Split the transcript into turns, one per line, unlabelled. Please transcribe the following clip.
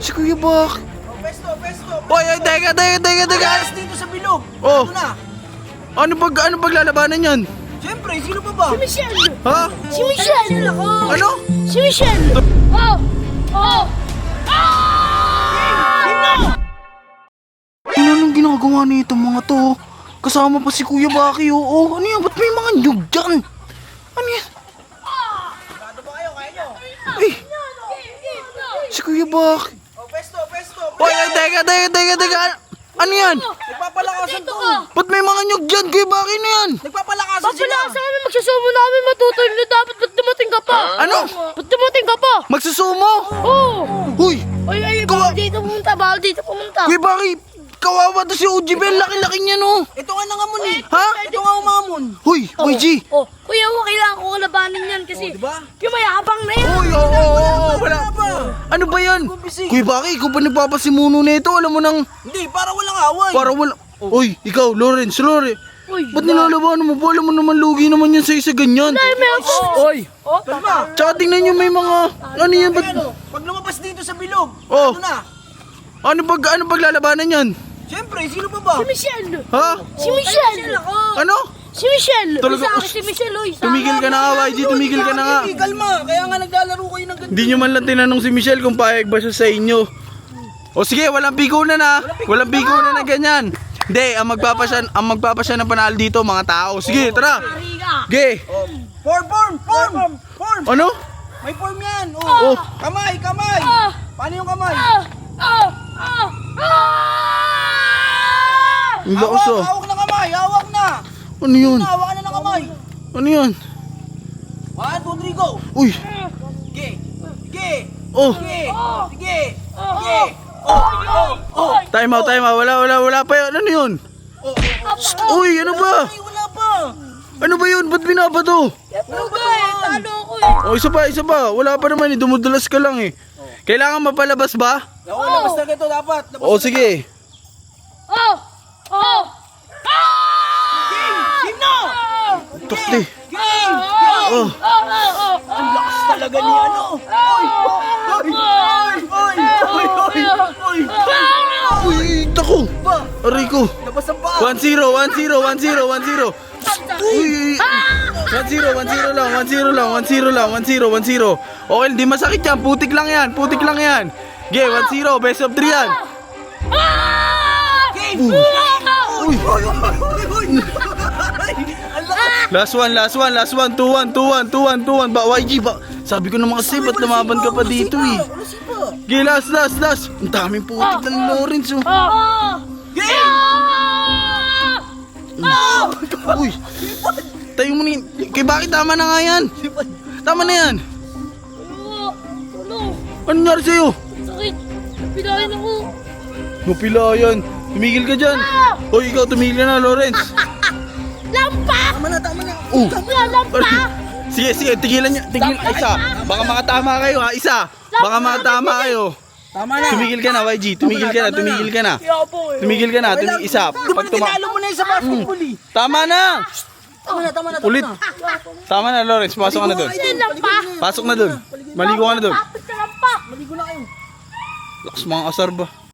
Si Kuya Bak.
Pesto.
Hoy, ay, teka.
Alas dito sa bilog.
Oh.
Ano na?
Ano paglalabanan yan?
Siyempre, sino pa ba?
Si Michelle!
Ha?
Si Michelle!
Ano?
Si Michelle! Oh! Oh!
Ano nang ginagawa nito mga to? Kasama pa si Kuya Baki, oo. Ano yan? Ba't may mga nyug dyan? Ano yan?
Ano ba kayo? Kaya nyo?
Eh, si Kuya Baki.
Oh, pesto.
Hoy, ay, teka. Ano yan?
Nagpapalakasan
Dito
to.
ka!
Ba't may mga nyug dyan? Kuya Baki na yan?
Nagpapalakasan sila.
Papala sa kami, magsasumo na kami matutoy na dapat. Ba't dumating ka pa?
Ano?
Ba't dumating ka pa?
Magsusumo?
Oo!
Huy,
Ay, bawal dito pumunta.
Kuya Baki, kawawa to si Ujibel. Laki-laki niya, no?
Ito nga nangamon eh.
Ha?
Ito nga umamon.
Huy, YG.
Oh, kuya, kailangan ko labanin yan kasi
Oh, diba?
yung mayabang na yan.
Uy, oo, wala.
Wala ba?
Ano ba yan?
Busy.
Kuya Baki, ikaw pa nagpapasimuno na ito. Alam mo nang,
Hindi, para walang away.
para wala. Uy, ikaw, Lawrence.
Uy,
Ba't nilalabanan mo po? Alam mo naman, lugi naman yan sa isa ganyan.
ay, may ako.
Oy,
Oh,
Kalma.
tsaka tingnan nyo may mga, ano yan, ba't,
Ano? Pag lumabas dito sa bilog,
Oh.
ano na?
ano paglalabanan yan?
Siyempre, sino pa ba?
Si Michelle!
Ha?
Si Michelle!
Ano?
Si Michelle!
Talaga,
Sa akin si Michelle, oy.
Tumigil ka na nga, YG, tumigil ka na nga.
Hindi, kalma. Kaya nga naglalaro kayo ng ganito.
Hindi nyo man lang tinanong si Michelle kung payag ba siya sa inyo. O sige, walang pikunan na. Walang pikunan na ganyan. Hindi, ang magpapasya ng panalo dito, mga tao. Sige, tara.
Ariga!
Ge.
Form.
Ano?
May form yan. Oh.
Oh.
Kamay.
Ah!
Paano yung kamay?
Ang lakas oh.
Hawak na kamay. Hawak na.
Ano yun?
Hawak na ng kamay.
Ano yun?
1, 2, 3, go.
Uy.
Sige.
Oh.
Sige.
Time out. Wala pa yun. Ano yun? Uy, ano ba?
Ay, wala pa.
Ano ba yun? Ba't binabato?
Talo ako eh.
O, isa pa. Wala pa naman eh. Dumudulas ka lang eh. Kailangan mapalabas ba?
Oo, labas na ito dapat. Labas
O,
na.
sige.
Game na.
Tukti.
Game.
Oh.
Ang lakas talaga ni ano. Oy.
Uy, tako. Aray ko.
Labas ang paa.
1-0. Uy. 1-0 lang. 1-0. Okay, hindi masakit yan. Putik lang yan. Ge, 1-0. Best of 3 yan.
Game.
Uy.
Ang lakas.
Last one. 2-1. Ba, YG ba? Sabi ko naman kasi, ba't lumaban ka pa dito eh?
Wala sipa.
Ge, last. Ang daming putik ng Lawrence oh.
Game.
Uy. Tayo mo ni. Kay bakit tama na nga yan? Tama na yan. Ano nangyari sa'yo?
Sakit! Pilahin ako!
Mapilayan. Tumigil ka dyan. Hoy, ikaw tumigil ka na, Lawrence.
Lampa!
Tama na.
Lampa!
Sige, tigilan niya. Isa. Baka makatama kayo ha. Isa. Baka makatama kayo.
Tama na.
Tumigil ka na, YG. Tumigil ka na.
Yapo eh!
Tumigil ka na. Isa. Pag
Tinalo mo na yung sa basketball eh.
Tama na.
Tama na.
Ulit. Tama na, Lawrence. Pasok ka na doon.
Lampa!
Pasok na doon. Maligo ka na doon.
Tapos sa lampa!
Maligo na kayo.
Lakas mga asar ba?